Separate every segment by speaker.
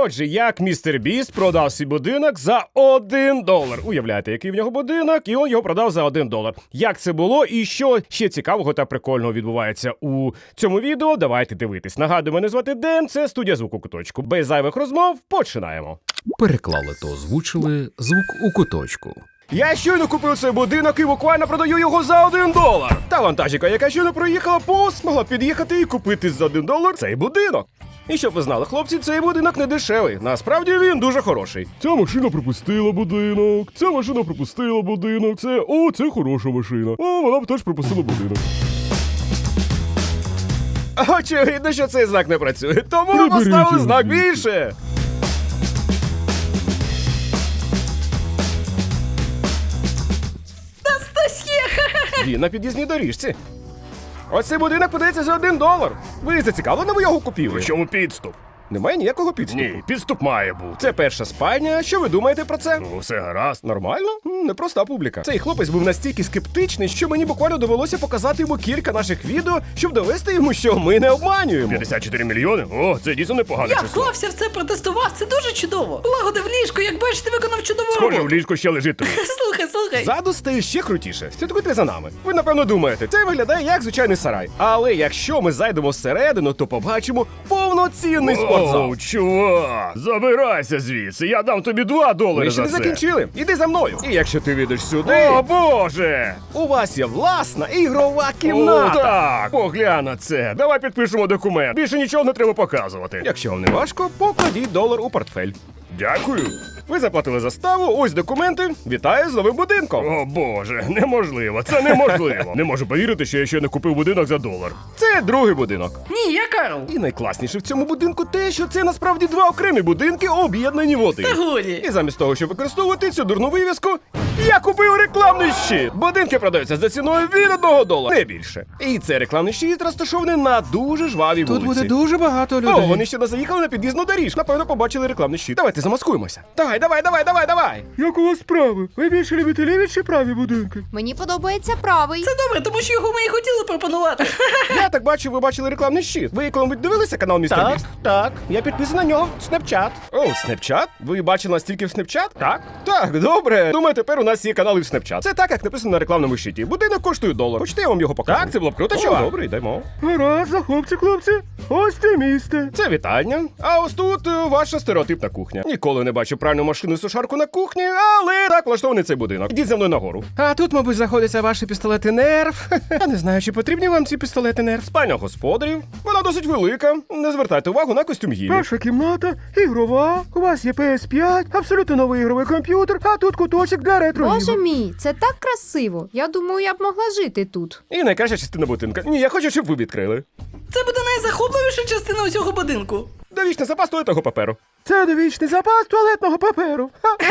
Speaker 1: Отже, як містер Біст продав свій будинок за $1. Уявляєте, який в нього будинок, і він його продав за $1. Як це було і що ще цікавого та прикольного відбувається у цьому відео, давайте дивитись. Нагадую, мене звати Ден, це студія «Звук у куточку». Без зайвих розмов починаємо.
Speaker 2: Переклали та озвучили «Звук у куточку».
Speaker 1: Я щойно купив цей будинок і буквально продаю його за $1. Та вантажівка, яка щойно проїхала повз, могла під'їхати і купити за $1 цей будинок. І щоб ви знали, хлопці, цей будинок не дешевий. Насправді він дуже хороший.
Speaker 3: Ця машина пропустила будинок, ця машина пропустила будинок, це хороша машина. Вона б теж пропустила будинок.
Speaker 1: Очевидно, що цей знак не працює, тому ми
Speaker 3: Приберіть
Speaker 1: поставили
Speaker 3: його
Speaker 1: знак
Speaker 3: звідси.
Speaker 1: більше. Він на під'їзній доріжці. Ось цей будинок подається за $1. Ви зацікавлені, ви його купили?
Speaker 3: В чому підступ?
Speaker 1: Немає ніякого підступу.
Speaker 3: Ні, підступ має бути.
Speaker 1: Це перша спальня. Що ви думаєте про це?
Speaker 3: Ну, все гаразд.
Speaker 1: Нормально? Непроста публіка. Цей хлопець був настільки скептичний, що мені буквально довелося показати йому кілька наших відео, щоб довести йому, що ми не обманюємо.
Speaker 3: 54 мільйони? О, це дійсно непогане
Speaker 4: Я
Speaker 3: число.
Speaker 4: вклався в це, протестував, це дуже чудово. Полагодив ліжко, як бачите, виконав чудову
Speaker 3: Схоже, в
Speaker 4: роботу.
Speaker 3: ліжку ще лежить труп.
Speaker 4: Слухай.
Speaker 1: Ззаду стає ще крутіше. Слідкуйте за нами. Ви, напевно, думаєте, це виглядає як звичайний сарай. Але якщо ми зайдемо всередину, то побачимо повноцінний спортзал.
Speaker 3: Оу, чувак, забирайся звідси, я дам тобі $2
Speaker 1: Ми ще
Speaker 3: за
Speaker 1: не
Speaker 3: це.
Speaker 1: закінчили. Іди за мною. І якщо ти вийдеш сюди,
Speaker 3: О, Боже!
Speaker 1: у вас є власна ігрова
Speaker 3: О,
Speaker 1: кімната.
Speaker 3: так, поглянь на це. Давай підпишемо документ. Більше нічого не треба показувати.
Speaker 1: Якщо вам не важко, покладіть $1 у портфель.
Speaker 3: Дякую.
Speaker 1: Ви заплатили заставу, ось документи. Вітаю з новим будинком.
Speaker 3: О, Боже, неможливо, це неможливо. Не можу повірити, що я ще не купив будинок за $1.
Speaker 1: Це другий будинок.
Speaker 4: Ні, я Карл.
Speaker 1: І найкласніше в цьому будинку те, що це насправді два окремі будинки, об'єднані в один.
Speaker 4: Та годі.
Speaker 1: І замість того, щоб використовувати цю дурну вивіску, я купив рекламний щит. Будинки продаються за ціною від $1, не більше. І цей рекламний щит розташований на дуже жвавій вулиці.
Speaker 2: дуже багато
Speaker 1: О, вони ще не заїхали на під'їзну доріжку. Напевно, побачили рекламний щит. Давайте замаскуємося. Давай.
Speaker 3: Як у вас справи? Ви більше любите ліві чи праві будинки?
Speaker 5: Мені подобається правий.
Speaker 4: Це добре, тому що його ми і хотіли пропонувати.
Speaker 1: Я так бачу, ви бачили рекламний щит. Ви коли дивилися канал Містер Біст? Так. Я підписаний на нього в Snapchat. О, Snapchat? Ви бачили нас тільки в Snapchat? Так, добре. Думаю, тепер у нас є канали в Snapchat. Це так, як написано на рекламному щиті. Будинок коштує $1. Хочете, я вам його покажу? Так, це було б круто, чувак. Добре, йдемо.
Speaker 3: Гаразд, хлопці. Ось це місце.
Speaker 1: Це вітальня. А ось тут ваша стереотипна кухня. Ніколи не бачив пральну машину і сушарку на кухні, але так влаштований цей будинок. Ідіть за мною нагору. А тут, мабуть, знаходяться ваші пістолети нерв. Я не знаю, чи потрібні вам ці пістолети нерв. Спальня господарів. Вона досить велика. Не звертайте увагу на костюм гілі.
Speaker 3: Перша кімната, ігрова, у вас є PS5, абсолютно новий ігровий комп'ютер, а тут куточок для ретро.
Speaker 5: Боже мій, це так красиво. Я думаю, я б могла жити тут.
Speaker 1: І найкраща частина будинка. Ні, я хочу, щоб ви відкрили.
Speaker 4: Це буде найзахопливіша частина усього будинку.
Speaker 1: Довічний запас туалетного паперу.
Speaker 3: Це довічний запас туалетного паперу.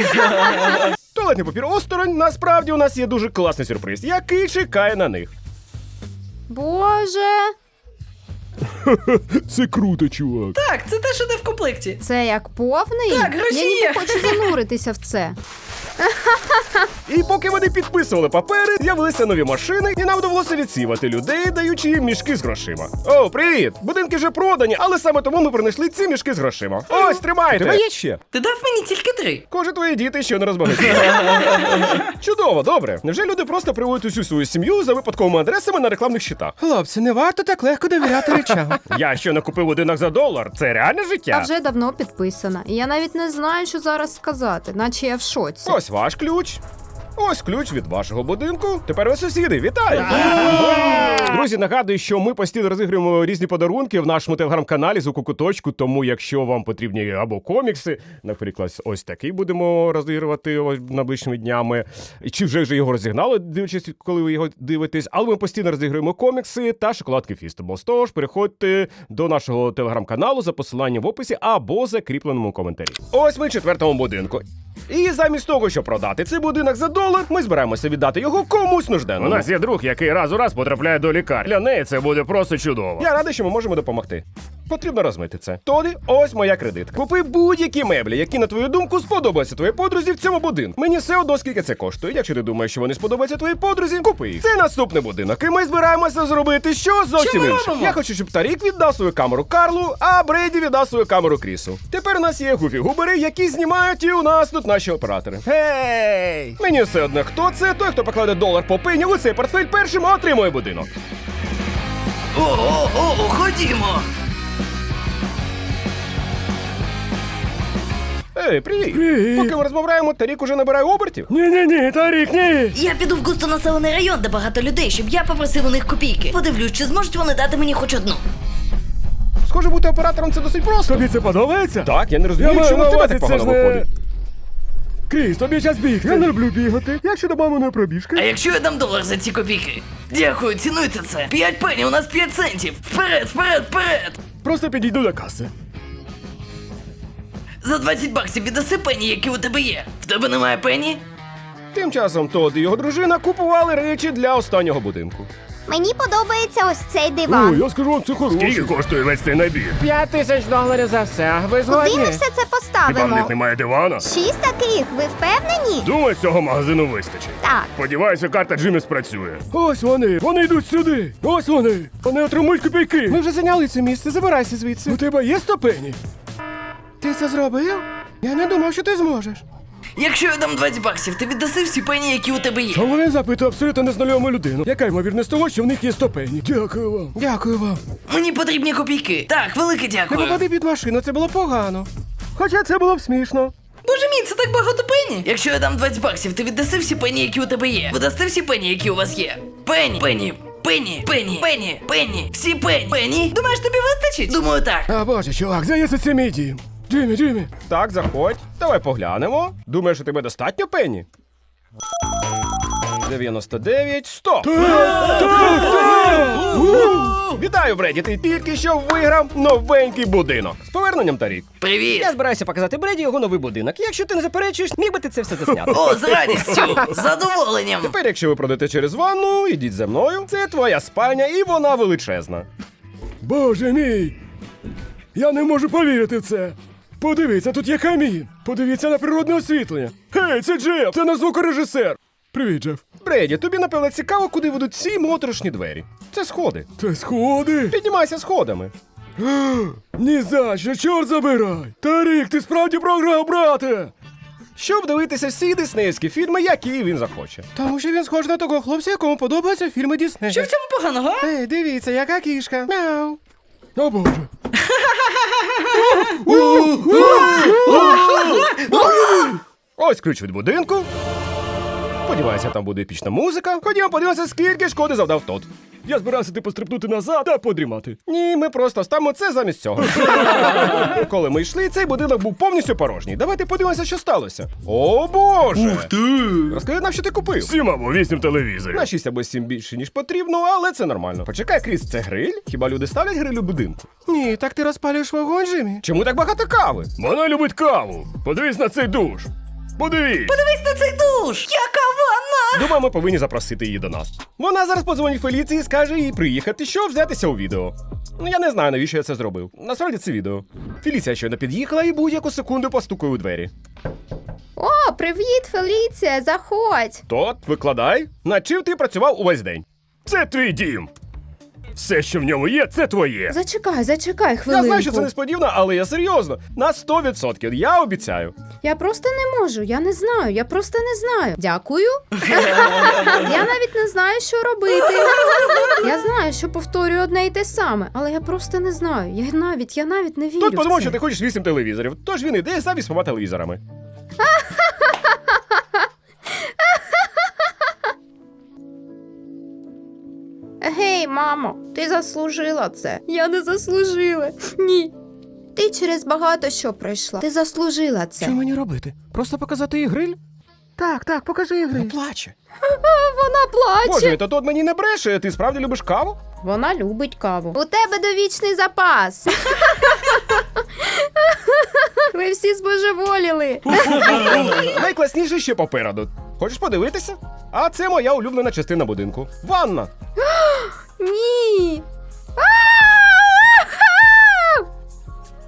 Speaker 1: Туалетний папір осторонь. Насправді у нас є дуже класний сюрприз, який чекає на них.
Speaker 5: Боже,
Speaker 3: Це круто, чувак.
Speaker 4: Так, це те, що йде в комплекті.
Speaker 5: це як повний?
Speaker 4: Так, гроші
Speaker 5: Я ніби
Speaker 4: є.
Speaker 5: хочу зануритися в це.
Speaker 1: І поки вони підписували папери, з'явилися нові машини, і нам довелося відсівати людей, даючи їм мішки з грошима. О, привіт! Будинки вже продані, але саме тому ми принесли ці мішки з грошима. Ось, тримайте! Тебе є ще?
Speaker 4: Ти дав мені тільки 3.
Speaker 1: Коже, твої діти ще не розбагатіли. Чудово, добре. Невже люди просто приводять усю свою сім'ю за випадковими адресами на рекламних щитах? Хлопці, не варто так легко довіряти речам. Я що не купив будинок за $1? Це реальне
Speaker 5: А
Speaker 1: життя?
Speaker 5: вже давно підписана. І я навіть не знаю, що зараз сказати, наче я в шоці.
Speaker 1: Ось ваш ключ. Ось ключ від вашого будинку. Тепер ви сусіди. Вітаю! Друзі, нагадую, що ми постійно розігруємо різні подарунки в нашому телеграм-каналі «Звук у куточку», тому якщо вам потрібні або комікси, наприклад, ось такий будемо розігрувати найближчими днями, чи вже його розігнали, дивлячись, коли ви його дивитесь, але ми постійно розігруємо комікси та шоколадки Feastables. Тож переходьте до нашого телеграм-каналу за посиланням в описі або закріпленому коментарі. Ось ми в 4-му будинку. І замість того, щоб продати цей будинок за $1, ми збираємося віддати його комусь нужденному.
Speaker 3: У нас є друг, який раз у раз потрапляє до лікарні. Для неї це буде просто чудово.
Speaker 1: Я радий, що ми можемо допомогти. Потрібно розмити це. Тоді, ось моя кредитка. Купи будь-які меблі, які, на твою думку, сподобаються твоїй подрузі в цьому будинку. Мені все одно, скільки це коштує. Якщо ти думаєш, що вони сподобаються твоїй подрузі, купи їх. Це наступний будинок, і ми збираємося зробити що зовсім
Speaker 4: ми
Speaker 1: інше.
Speaker 4: робимо?
Speaker 1: Я хочу, щоб Тарік віддав свою камеру Карлу, а Брейді віддав свою камеру Крісу. Тепер у нас є гуфі-губери, які знімають, і у нас тут наші оператори. Гей! Мені все одно, хто це, той, хто покладе $1 по пені у цей портфель першим, отримує будинок.
Speaker 4: О, ходімо.
Speaker 1: Ей, привіт!
Speaker 3: Привіт.
Speaker 1: Поки ми розмовляємо, Тарік уже набирає обертів.
Speaker 3: Ні, Тарік, ні!
Speaker 6: Я піду в густонаселений район, де багато людей, щоб я попросив у них копійки. Подивлюсь, чи зможуть вони дати мені хоч одну.
Speaker 1: Схоже, бути оператором це досить просто.
Speaker 3: Тобі це подобається?
Speaker 1: Так, я не
Speaker 3: Я
Speaker 1: розумію,
Speaker 3: маю
Speaker 1: чому
Speaker 3: на
Speaker 1: в тебе
Speaker 3: увазі,
Speaker 1: так
Speaker 3: це ж
Speaker 1: погано
Speaker 3: не...
Speaker 1: виходить.
Speaker 3: Кріс, тобі час бігти. Я не люблю бігати. Як щодо маминої пробіжки?
Speaker 4: А якщо я дам $1 за ці копійки? Дякую, цінуйте це. 5 пені, у нас 5 центів. Вперед, вперед, вперед.
Speaker 3: Просто підійду до каси.
Speaker 4: За $20 віддаси пені, які у тебе є. В тебе немає пені?
Speaker 1: Тим часом Тодд і його дружина купували речі для останнього будинку.
Speaker 7: Мені подобається ось цей
Speaker 3: О,
Speaker 7: диван.
Speaker 3: я скажу вам, це хороше.
Speaker 1: коштує весь цей набір? $5000 за все. Ви
Speaker 7: Куди ми все це поставимо?
Speaker 3: немає дивана?
Speaker 7: 6 таких, ви впевнені?
Speaker 3: Думаю, цього магазину вистачить.
Speaker 7: Так.
Speaker 3: Сподіваюся, карта Джиммі спрацює. Ось вони йдуть сюди. Ось вони отримують копійки.
Speaker 1: Ми вже зайняли це місце, забирайся звідси.
Speaker 3: У тебе є 100 пені?
Speaker 1: Ти це зробив? Я не думав, що ти зможеш.
Speaker 4: Якщо я дам $20, ти віддаси всі пені, які у тебе є.
Speaker 3: Чому я запитую абсолютно незнайому людину? Яка ймовірність того, що в них є 100 пені? Дякую вам.
Speaker 1: Дякую вам.
Speaker 4: Мені потрібні копійки. Так, велике
Speaker 1: Не
Speaker 4: дякую.
Speaker 1: попади під машину, це було погано. Хоча це було б смішно.
Speaker 4: Боже мій, це так багато пені. Якщо я дам $20, ти віддаси всі пені, які у тебе є. Ви дасте всі пені, які у вас є. Пені. Всі пені. Пені? Думаєш, тобі вистачить? Думаю, так.
Speaker 3: А боже, чувак, здається, це мій дім. Джиммі.
Speaker 1: Так, заходь. Давай поглянемо. Думаєш, у тебе достатньо пені? 99, 100. Вітаю, Бреді, ти тільки що виграв новенький будинок. З поверненням, Тарік.
Speaker 4: Привіт.
Speaker 1: Я збираюся показати Бреді його новий будинок. Якщо ти не заперечуєш, міг би ти це все засняти.
Speaker 4: О, з радістю. З задоволенням.
Speaker 1: Тепер, якщо ви пройдете через ванну, ідіть за мною. Це твоя спальня, і вона величезна.
Speaker 3: Боже мій! Я не можу повірити в це. Подивіться, тут є камін. Подивіться на природне освітлення. Гей, це Джеф! Це наш звукорежисер. Привіт, Джеф.
Speaker 1: Бреді, тобі, напевно, цікаво, куди ведуть ці моторошні двері. Це сходи.
Speaker 3: Це сходи.
Speaker 1: Піднімайся сходами.
Speaker 3: Ні за що, чорт забирай! Тарік, ти справді програв, брате!
Speaker 1: Щоб дивитися всі диснеївські фільми, які він захоче. Тому що він схож на того хлопця, якому подобаються фільми Діснея.
Speaker 4: Що в цьому поганого? а?
Speaker 1: Ей, дивіться, яка кішка. Мяу.
Speaker 3: О боже.
Speaker 1: Ось ключ від будинку. Сподіваюся, там буде епічна музика. Ходімо подивимося, скільки шкоди завдав Тодд.
Speaker 3: Я збирався ти пострибнути назад та подрімати.
Speaker 1: Ні, ми просто ставимо це замість цього. Коли ми йшли, цей будинок був повністю порожній. Давайте подивимося, що сталося. О боже! Ух ти! Розкажи нам, що ти купив.
Speaker 3: 7 або 8 телевізорів.
Speaker 1: На 6 або 7 більше, ніж потрібно, але це нормально. Почекай, Кріс, це гриль? Хіба люди ставлять гриль у будинку? Ні, так ти розпалюєш вогонь, Джиммі. Чому так багато кави?
Speaker 3: Вона любить каву. Подивись на цей душ. Подивись.
Speaker 4: Дивись на цей душ! Яка ванна!
Speaker 1: Думаю, ми повинні запросити її до нас. Вона зараз подзвонить Феліції і скаже їй приїхати, щоб взятися у відео. Ну я не знаю, навіщо я це зробив. Насправді це відео. Феліція щойно під'їхала і будь-яку секунду постукає у двері.
Speaker 5: О, привіт, Феліція, заходь.
Speaker 1: Тодд, викладай. Над чим ти працював увесь день?
Speaker 3: Це твій дім. Все, що в ньому є, це твоє.
Speaker 5: Зачекай хвилинку.
Speaker 1: Я знаю, що це несподівано, але я серйозно. На 100%, я обіцяю.
Speaker 5: Я просто не можу, я не знаю, я просто не знаю. Дякую. Я навіть не знаю, що робити. Я знаю, що повторюю одне і те саме, але я просто не знаю. Я навіть не вірю.
Speaker 1: Тут
Speaker 5: в
Speaker 1: подумав,
Speaker 5: це.
Speaker 1: що ти хочеш 8 телевізорів, тож він іде за 8 телевізорами.
Speaker 5: Гей, мамо, ти заслужила це. Я не заслужила. Ні. Ти через багато що пройшла. Ти заслужила це.
Speaker 1: Що мені робити? Просто показати їй гриль? Так, покажи їй гриль. Плаче.
Speaker 5: Вона плаче.
Speaker 1: Боже, то тут мені не бреше, ти справді любиш каву?
Speaker 5: Вона любить каву. У тебе довічний запас. Ви всі збожеволіли.
Speaker 1: Найкласніше ще попереду. Хочеш подивитися? А це моя улюблена частина будинку. Ванна.
Speaker 5: Ні.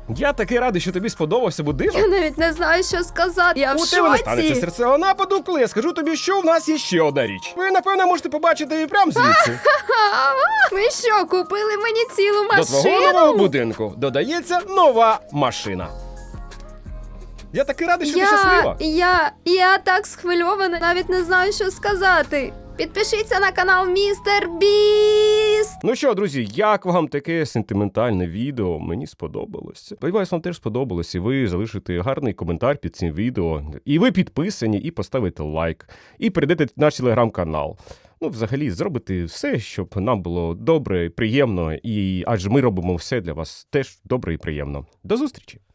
Speaker 1: Я такий радий, що тобі сподобався будинок.
Speaker 5: Я навіть не знаю, що сказати. Я в
Speaker 1: У тебе не
Speaker 5: шоці.
Speaker 1: станеться серцевого нападу, коли я скажу тобі, що в нас є ще одна річ. Ви, напевно, можете побачити її прямо звідси.
Speaker 5: Ви що, купили мені цілу
Speaker 1: До твого нового
Speaker 5: машину?
Speaker 1: будинку додається нова машина. Я такий радий, що ти щаслива.
Speaker 5: Я так схвильована, навіть не знаю, що сказати. Підпишіться на канал Містер Біст.
Speaker 1: Ну що, друзі, як вам таке сентиментальне відео? Мені сподобалось. Сподіваюсь, вам теж сподобалось, і ви залишите гарний коментар під цим відео. І ви підписані, і поставите лайк, і перейдете в наш телеграм-канал. Ну, взагалі, зробити все, щоб нам було добре, приємно, і адже ми робимо все для вас теж добре і приємно. До зустрічі!